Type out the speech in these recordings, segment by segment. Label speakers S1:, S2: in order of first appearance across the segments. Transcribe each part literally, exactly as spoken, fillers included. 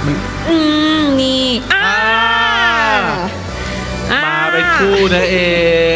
S1: อืมนี่อ่า
S2: มาเป็นคู่นั่นเอง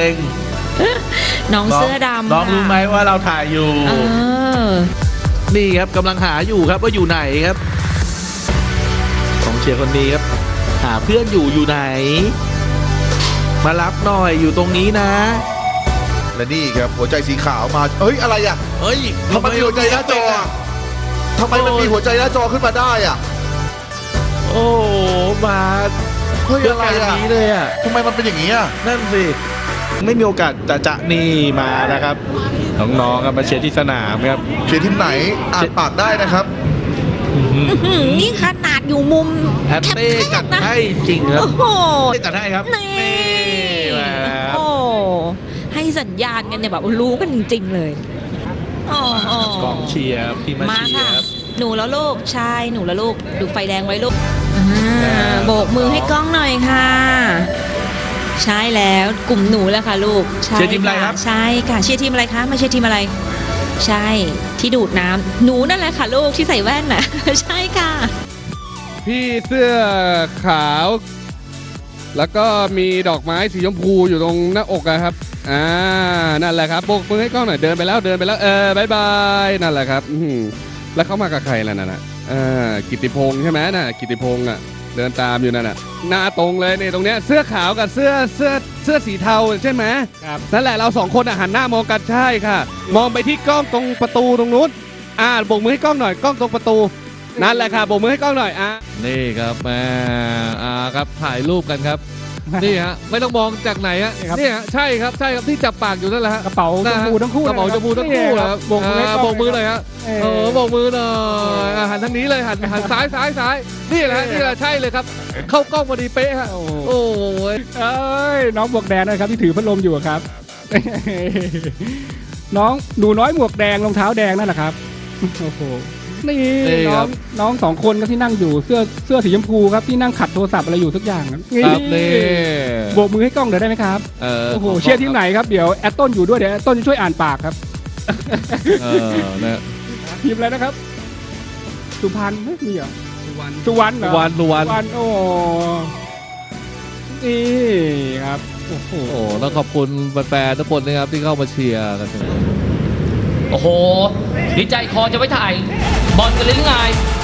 S1: น้องเสื้อดำ
S2: น้องรู้ไหมว่าเราถ่ายอยู่
S1: เออ
S2: นี่ครับกำลังหาอยู่ครับว่าอยู่ไหนครับของเชียร์คนนี้ครับหาเพื่อนอยู่อยู่ไหน มารับหน่อยอยู่ตรงนี้นะ
S3: และนี่ครับหัวใจสีขาวมาเอ้ยอะไรอ่ะ
S2: เฮ้ย
S3: ทำไมมีหัวใจหน้าจออะทำไมมันมีหัวใจหน้าจอขึ้นมาได้อ่ะ
S2: โอ้มา
S3: เฮ้ย
S2: เพื่อ
S3: อะไร
S2: การ
S3: อ่ะ
S2: นี้เลยอ่ะ
S3: ทำไมมันเป็นอย่างนี้อ่ะ
S2: นั่นสิไม่มีโอกาสจะจะนี่มานะครับน้องๆครับมาเชียร์ที่สนามครับ
S3: เชียร์ทีมไหนอ่านปากได้นะครับ
S1: อื้อหือนี่ขนาดอยู่มุม
S2: แฮปปี้จัด
S1: นะ
S2: ให้จริงครับ
S1: โอ้โห
S2: จัดให้ครับ
S1: นี่
S2: มาแล้ว
S1: โอ้ให้สัญญาณกันเนี่ยแบบรู้กันจริงๆเลยโอ้โห
S2: กองเชียร์ที่มา
S1: มา
S2: เชีย
S1: ค่ะ
S2: ร์ครับ
S1: หนูแล้วลูกใช่หนูแล้วลูกดูไฟแดงไว้ลูกอ่า
S2: ครับ
S1: โบกมือให้กล้องหน่อยค่ะ ใช่แล้วกลุ่มหนูแล้วค่ะลูกใช่
S2: เชียร์ทีมอะไรครับ
S1: ใช่ค่ะเชียร์ทีมอะไรคะมาเชียร์ทีมอะไร ใช่ที่ดูดน้ำหนูนั่นแหละค่ะลูกที่ใส่แว่นน่ะ ใช่ค่ะ
S4: พี่เสื้อขาว แล้วก็มีดอกไม้สีชมพูอยู่ตรงหน้าอกอะครับอ่านั่นแหละครับโบกมือให้กล้องหน่อยเดินไปแล้วเดินไปแล้วเออบายบายนั่นแหละครับอื้อหือแล้วเขามากับใครล่ะนั่นน่ะอ่ากิตติพงษ์ใช่ไหมน่ะกิตติพงษ์อ่ะเดินตามอยู่นั่นน่ะหน้าตรงเลยเนี่ยตรงเนี้ยเสื้อขาวกับเสื้อเสื้อเสื้อสีเทาใช่ไหมครับนั่นแหละเราสองคนอ่ะหันหน้ามองกันใช่ค่ะ มองไปที่กล้องตรงประตูตรงนู้นอ่าโบกมือให้กล้องหน่อยกล้องตรงประตูนั่นแหละค่ะโบกมือให้กล้องหน่อยอ่ะ
S5: นี่ครับแม่อ่าครับถ่ายรูปกันครับ นี่ฮะไม่ต้องมองจากไหนฮะ
S4: นี่ครับ
S5: นี่ฮะใช่ครับใช่ครับที่จับปากอยู่นั่นแหละฮะ
S4: กระเป๋าชมพูทั้งคู่
S5: กระเป๋าชมพูทั้งคู่ครับ
S4: โบกมือให้
S5: อ่าก
S4: ล้อง
S5: โบกมือเลยฮะ
S4: เออ
S5: เออโบกมือหน่อยอ่าหันทางนี้เลยหันหันซ้ายซ้ายซ้ายนี่แหละฮะนี่แหละใช่เลยครับ เข้ากล้องพอดีเป๊ะฮะ
S4: โอ้
S5: โอ้ย
S4: เอ้ยน้องหมวกแดงนะครับที่ถือพัดลมอยู่อะครับ น้องหนูน้อยหมวกแดงรองเท้าแดงนั่นแหละครับโอ้โหนี่น้องน้องสองคนครับที่นั่งอยู่เสื้อเสื้อสีชมพูครับที่นั่งขัดโทรศัพท์อะไรอยู่ทุกอย่างครับ
S5: ครับนี่
S4: โบกมือให้กล้องเดี๋ยวได้ไหมครับ
S5: เออ
S4: โอ้โหเชียร์ทีมไหนครับเดี๋ยวแอตต้นอยู่ด้วยเดี๋ยวแอตต้นจะช่วยอ่านปากครับ
S5: เออนะ
S4: ทีมอะไรนะครับ สุพรรณเฮ้ยมีเหรอสุวรรณสุวรรณเหรอ
S5: วันดูวัน
S4: สุวรรณโอ้นี่ครับโอ้โห
S5: โอ้แล้วขอบคุณแฟนๆทุกคนนะครับที่เข้ามาเชียร์กัน
S6: โอ้โห ดีใจคอจะไม่ถ่าย บอลกันเลยหรือไง